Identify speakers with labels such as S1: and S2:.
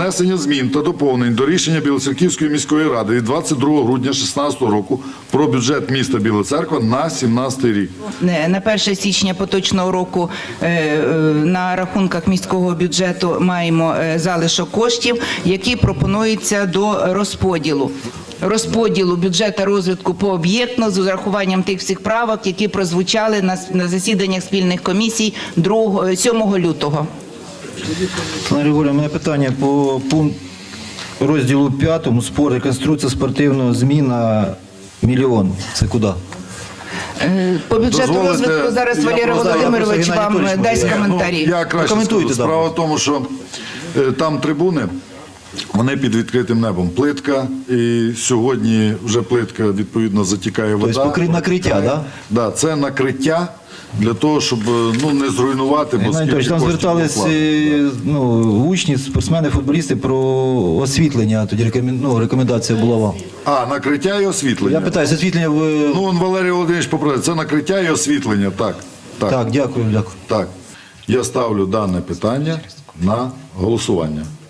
S1: внесення змін та доповнень до рішення Білоцерківської міської ради від 22 грудня 2016 року про бюджет міста Біла Церква на 2017 рік.
S2: На 1 січня поточного року на рахунках міського бюджету маємо залишок коштів, які пропонуються до розподілу бюджету розвитку пооб'єктно з урахуванням тих всіх правок, які прозвучали на засіданнях спільних комісій 7 лютого.
S3: Олена Григорівна, у мене питання по розділу 5 спорт, реконструкція спортивного зміна мільйон. Це куди?
S2: По бюджету розвитку зараз Валерій Володимирович вам дасть коментарі.
S1: Я краще скажу. Справа в тому, що там трибуни, вони під відкритим небом. Плитка, і сьогодні вже плитка, відповідно, затікає вода.
S3: Тобто накриття, так? Да?
S1: Так, це накриття для того, щоб не зруйнувати.
S3: Там звертались учні, спортсмени, футболісти про освітлення, тоді рекомендація була вам.
S1: Накриття і освітлення.
S3: Я питаюся, освітлення в...
S1: Валерій Володимирович поправив, це накриття і освітлення, так.
S3: Так, дякую.
S1: Так, я ставлю дане питання на голосування.